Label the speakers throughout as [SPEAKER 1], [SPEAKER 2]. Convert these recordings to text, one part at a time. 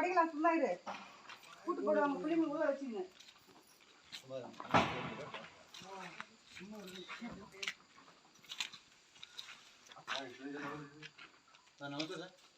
[SPEAKER 1] படிக்கலாம் சும்மா இரு கூட்டு போடுவாங்க பிள்ளைங்க உள்ள வச்சுங்க
[SPEAKER 2] ನಮಸ್ತೆ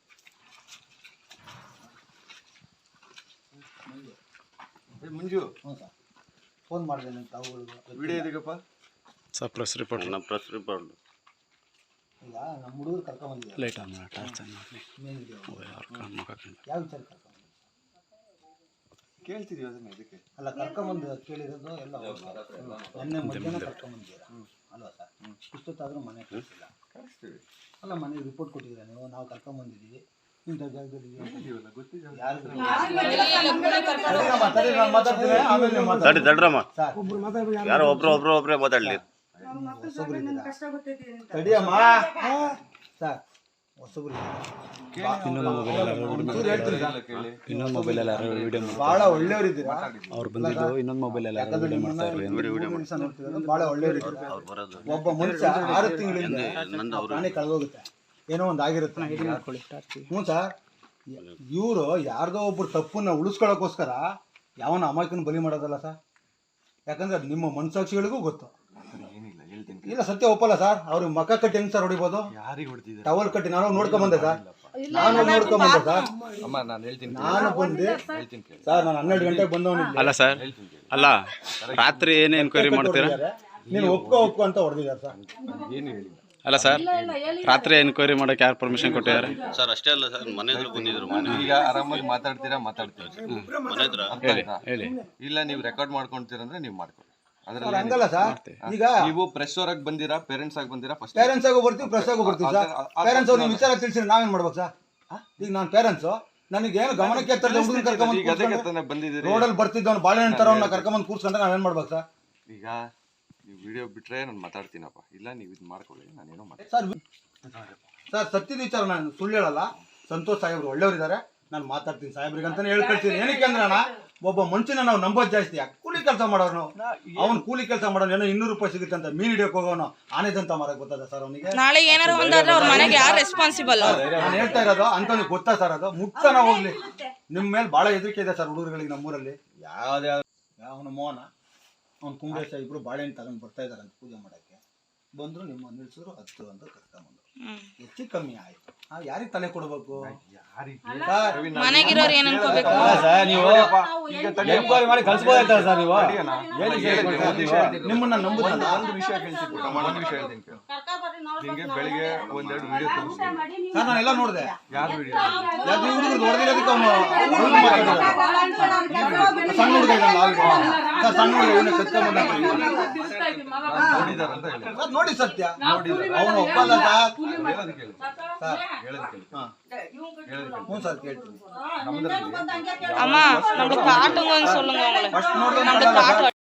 [SPEAKER 2] ಸರ್ ಮಂಜು ಹ್ಞೂ ಸರ್ ಫೋನ್ ಮಾಡಿದೆ ನಿಮ್ಮ ತಾವುಗಳಿಗೆ ವಿಡಿಯೋ ಇದೀಗಪ್ಪ
[SPEAKER 3] ಸರ್ ಪ್ರೆಸ್ ರಿಪೋರ್ಟ್
[SPEAKER 4] ನಮ್ಮ ಪ್ರೆಸ್ ರಿಪೋರ್ಟ್
[SPEAKER 2] ಈಗ ನಮ್ಮ ಹುಡುಗರು ಕರ್ಕೊಂಬಂದಿದ್ದಾರೆ
[SPEAKER 3] ಲೇಟ್ ಆಗಿ ಟಾರ್ಚ್ ಮಾಡಿ
[SPEAKER 2] ಮೇನ್ ವಿಡಿಯೋ ಯಾವ ವಿಚಾರ ಕರ್ಕೊಂಬಂದಿದ್ದಾರೆ
[SPEAKER 4] ಕೇಳ್ತಿದೀವಿ ಅದನ್ನ ಇದಕ್ಕೆ
[SPEAKER 2] ಅಲ್ಲ ಕರ್ಕೊಂಬಂದು ಕೇಳಿರೋದು ಎಲ್ಲ ಮೊನ್ನೆ ಮಧ್ಯಾಹ್ನ ಕರ್ಕೊಂಬಂದಿದ್ದೀರಾ ಅಲ್ವಾ ಸರ್ ಇಷ್ಟೊತ್ತಾದರೂ ಮನೆ ಕಳಿಸಿಲ್ಲ
[SPEAKER 4] ಕಳಿಸ್ತೀವಿ
[SPEAKER 2] ಅಲ್ಲ ಮನೆಗೆ ರಿಪೋರ್ಟ್ ಕೊಟ್ಟಿದ್ದೀರಾ ನೀವು ನಾವು ಕರ್ಕೊಂಬಂದಿದ್ದೀವಿ ಇಂಥ ಜಾಗದಲ್ಲಿ
[SPEAKER 4] ತಡ್ರಮ್ಮ ಯಾರೋ ಒಬ್ರೇ ಮಾತಾಡ್ಲಿ
[SPEAKER 2] ತಡಿಯಮ್ಮ ಸರ್ ಹೊಸಬ್ರು
[SPEAKER 3] ಇನ್ನೊಂದು ಮೊಬೈಲ್ ಎಲ್ಲ ವಿಡಿಯೋ
[SPEAKER 2] ಭಾಳ ಒಳ್ಳೆಯವರಿದ್ದೀರಾ
[SPEAKER 3] ಅವ್ರು ಬಂದಿದ್ದು ಇನ್ನೊಂದು ಮೊಬೈಲ್ ಎಲ್ಲ ವಿಡಿಯೋ ಮಾಡ್ತಾ ಇರ್ಲಿ
[SPEAKER 2] ಭಾಳ ಒಳ್ಳೆಯವರಿದ್ದೀರಾ ಒಬ್ಬ ಮನುಷ್ಯ 6 ತಿಂಗಳಿಂದ ಪ್ರಾಣಿ ಕಳೆದೋಗುತ್ತೆ ಏನೋ ಒಂದು ಆಗಿರುತ್ತೆ ಹ್ಞೂ ಸರ್ ಇವರು ಯಾರ್ದೋ ಒಬ್ರು ತಪ್ಪನ್ನ ಉಳಿಸ್ಕೊಳ್ಳೋಕ್ಕೋಸ್ಕರ ಯಾವನ ಅಮಾಯಕನ ಬಲಿ ಮಾಡೋದಲ್ಲ ಸರ್ ಯಾಕಂದ್ರೆ ಅದು ನಿಮ್ಮ ಮನಸಾಕ್ಷಿಗಳಿಗೂ ಗೊತ್ತು ಇಲ್ಲ ಸತ್ಯ ಒಪ್ಪಲ್ಲ ಸರ್ ಅವ್ರಿಗೆ ಮಕ್ಕ ಕಟ್ಟಿ ಹೆಂಗ್ ಸರ್ ಹೊಡಿಬೋದು ಟವಲ್ ಕಟ್ಟಿ ನಾನು ನೋಡ್ಕೊಂಬಂದೆ ಸರ್ ನಾನು ನೋಡ್ಕೊಂಬಂದೆ ಸರ್ ನಾನು ಬಂದೆ ಸರ್ ನಾನು 12 ಗಂಟೆಗೆ ಬಂದವನಿಲ್ಲ
[SPEAKER 3] ಅಲ್ಲ ಸರ್ ಅಲ್ಲ ರಾತ್ರಿ ಏನೇ ಎನ್ಕ್ವೈರಿ ಮಾಡ್ತೀರಾ
[SPEAKER 2] ನೀನು ಒಪ್ಕೊ ಅಂತ ಹೊಡೆದಿದ್ದಾರೆ ಸರ್
[SPEAKER 4] ಏನು ಹೇಳಿ
[SPEAKER 3] ಅಲ್ಲ ಸರ್ ರಾತ್ರಿ ಎನ್ಕ್ವೈರಿ ಮಾಡಕ್ಕೆ ಯಾರು ಪರ್ಮಿಷನ್ ಕೊಟ್ಟಿದ್ದಾರೆ
[SPEAKER 4] ಸರ್ ಅಷ್ಟೇ ಅಲ್ಲ ಸರ್ ಮನೆ ಹತ್ರ ಬಂದಿದ್ರು
[SPEAKER 5] ಈಗ ಆರಾಮಾಗಿ ಮಾತಾಡ್ತೀರಾ ಮಾತಾಡ್ತೀವಿ
[SPEAKER 4] ಮನೆ ಹತ್ರ
[SPEAKER 3] ಹೇಳಿ
[SPEAKER 5] ಇಲ್ಲ ನೀವು ರೆಕಾರ್ಡ್ ಮಾಡ್ಕೊಂತೀರ ಅಂದ್ರೆ ನೀವು ಮಾಡ್ಕೊಳ್ಳಿ
[SPEAKER 2] ಸರ್ ಹಂಗಲ್ಲ ಸರ್ ಈಗ
[SPEAKER 5] ನೀವು ಪ್ರೆಸ್ ಅವರಾಗಿ ಬಂದಿರಾ ಪೇರೆಂಟ್ಸ್ ಆಗಿ ಬಂದಿರಾ ಫಸ್ಟ್
[SPEAKER 2] ಪೇರೆಂಟ್ಸ್ ಆಗೋ ಬರ್ತೀವಿ ಪ್ರೆಸ್ ಆಗೋ ಬರ್ತೀವಿ ಸರ್ ಪೇರೆಂಟ್ಸ್ ಅವ್ರು ನೀವು ವಿಚಾರ ತಿಳಿಸಿದ್ರೆ ನಾವೇನ್ ಮಾಡ್ಬೇಕು ಸರ್ ಈಗ ನಾನು ಪೇರೆಂಟ್ಸು ನನಗೇನು ಗಮನಕ್ಕೆ ಹುಡುಗನ ಕರ್ಕೊಂಬಂದು
[SPEAKER 5] ಬಂದಿದ್ದೀರಿ
[SPEAKER 2] ರೋಡಲ್ಲಿ ಬರ್ತಿದ್ದವನು ಬಾಳೆಹಣ್ಣು ತರೋನ್ನ ಕರ್ಕೊಂಬಂದು ಕೂರ್ಸ್ಕೊಂಡ್ರೆ ನಾವೇನ್ ಮಾಡ್ಬೇಕು ಸರ್
[SPEAKER 5] ಈಗ ನೀವು ವಿಡಿಯೋ ಬಿಟ್ರೆ ನಾನು ಮಾತಾಡ್ತೀನಪ್ಪ ಇಲ್ಲ ನೀವು ಇದು ಮಾಡ್ಕೊಳ್ಳಿ ನಾನೇನೋ ಮಾತಾಡ್ತೀನಿ
[SPEAKER 2] ಸರ್ ಸತ್ಯದ ವಿಚಾರ ನಾನು ಸುಳ್ಳು ಹೇಳಲ್ಲ ಸಂತೋಷ್ ಸಾಹೇಬ್ರು ಒಳ್ಳೆಯವರಿದ್ದಾರೆ ನಾನು ಮಾತಾಡ್ತೀನಿ ಸಾಹೇಬ್ರಿಗೆ ಅಂತಾನೆ ಹೇಳಿ ಕಳ್ತೀನಿ ಏನಕ್ಕೆ ಅಂದ್ರೆ ಅಣ್ಣ ಒಬ್ಬ ಮನುಷ್ಯನ ನಾವು ನಂಬೋದು ಜಾಸ್ತಿ ಕೂಲಿ ಕೆಲಸ ಮಾಡೋರು ಅವ್ನು ಕೂಲಿ ಕೆಲಸ ಮಾಡೋನು ಏನೋ 200 ರೂಪಾಯಿ ಸಿಗುತ್ತೆ ಅಂತ ಮೀನ್ ಹಿಡಿಯೋಕೆ ಹೋಗೋನು ಆನೆದಂತ ಮಾರಕ್ ಗೊತ್ತದ ಸರ್ ಅವನಿಗೆ
[SPEAKER 6] ನಾಳೆ ಏನಾರ ಒಂದಾದ್ರೆ ಅವ್ರ ಮನೆಗೆ ಯಾರು ರೆಸ್ಪಾನ್ಸಿಬಲ್
[SPEAKER 2] ನಾನು ಹೇಳ್ತಾ ಇರೋದು ಅಂತವನಿಗೆ ಗೊತ್ತಾ ಸರ್ ಅದು ಮುಕ್ತನ ಹೋಗ್ಲಿ ನಿಮ್ಮ ಮೇಲೆ ಭಾಳ ಹೆದರಿಕೆ ಇದೆ ಸರ್ ಹುಡುಗರುಗಳಿಗೆ ನಮ್ಮೂರಲ್ಲಿ ಯಾವನು ಮೋಹನ ಅವ್ನು ಕುಂಬ್ರೇಶ ಇಬ್ರು ಬಾಳೆಹಣ್ಣು ತಗೊಂಡು ಬರ್ತಾ ಇದಾರೆ ಅಂತ ಪೂಜೆ ಮಾಡಕ್ಕೆ ಬಂದ್ರು ನಿಮ್ಮ ನಿಲ್ಸಿದ್ರು 10 ಅಂತ ಕರ್ಕೊಂಬಂದ್ರು ಹೆಚ್ಚು ಕಮ್ಮಿ ಆಯ್ತು ಯಾರಿಗೆ ತಲೆ ಕೊಡ್ಬೇಕು
[SPEAKER 6] ಮನೆಗಿರೋರು ಏನ್ ಅನ್ಕೋಬೇಕು
[SPEAKER 2] ನಿಮ್ಮನ್ನ ನಂಬುದಲ್ಲ
[SPEAKER 5] ಒಂದು ವಿಷಯ ಹೇಳ್ತೀನಿ ನಿಂಗೆ ಬೆಳಿಗ್ಗೆ ಒಂದೆರಡು ವಿಡಿಯೋ ತೋರಿಸ್ತೀನಿ
[SPEAKER 2] ಸರ್ ನಾನೆಲ್ಲ ನೋಡಿದೆ
[SPEAKER 5] ಯಾರು ವಿಡಿಯೋ
[SPEAKER 2] ಹುಡುಗರು ಹೊಡೆದಿರೋದಕ್ಕೆ ಅವನು ಸಣ್ಣ ಹುಡುಗ ಇದ್ದಾನೆ ಸರ್ ಸಣ್ಣ ಹುಡುಗ ಇವನ್ನ ಕತ್ಕೊಂಡ್ಬಂದ
[SPEAKER 5] ನೋಡಿದಾರಂತ ಹೇಳಿ
[SPEAKER 2] ಸರ್ ನೋಡಿ ಸತ್ಯ ಅವನು ಒಪ್ಪಲ್ಲ ಸರ್ ಹ್ಞೂ ಸರ್ ಕೇಳ್ತೀನಿ
[SPEAKER 6] அம்மா நம்மளுக்கு காட்டுங்கன்னு சொல்லுங்க அவங்கள
[SPEAKER 2] ಫಸ್ಟ್ ನೋಡಿ
[SPEAKER 6] நம்மளுக்கு காட்டு